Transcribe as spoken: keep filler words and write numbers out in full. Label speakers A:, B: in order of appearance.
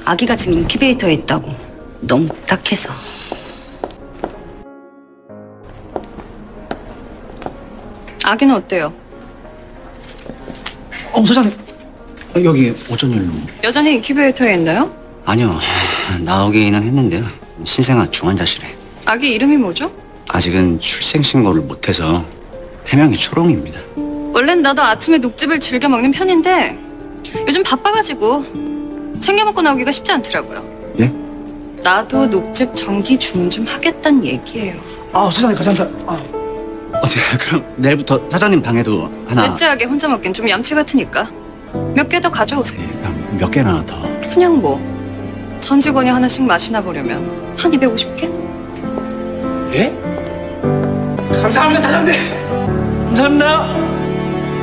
A: 아기가 지금 인큐베이터에 있다고. 너무 딱해서. 아기는 어때요?
B: 어, 사장님. 여기 어쩐 일로?
A: 여전히 인큐베이터에 있나요?
B: 아니요. 나오기는 했는데요. 신생아 중환자실에.
A: 아기 이름이 뭐죠?
B: 아직은 출생 신고를 못해서 해명이 초롱입니다.
A: 원래는 나도 아침에 녹즙을 즐겨 먹는 편인데 요즘 바빠가지고 챙겨 먹고 나오기가 쉽지 않더라고요.
B: 예?
A: 나도 녹즙 정기 주문 좀 하겠다는 얘기예요.
B: 아, 사장님 감사합니다. 아. 어, 제가 그럼 내일부터 사장님 방에도 하나.
A: 넷째하게 혼자 먹긴 좀 얌체 같으니까 몇 개 더 가져오세요.
B: 예, 그럼 몇 개나 더.
A: 그냥 뭐 전 직원이 하나씩 마시나 보려면 한 이백오십 개?
B: 예? 감사합니다, 사장님. 감사합니다.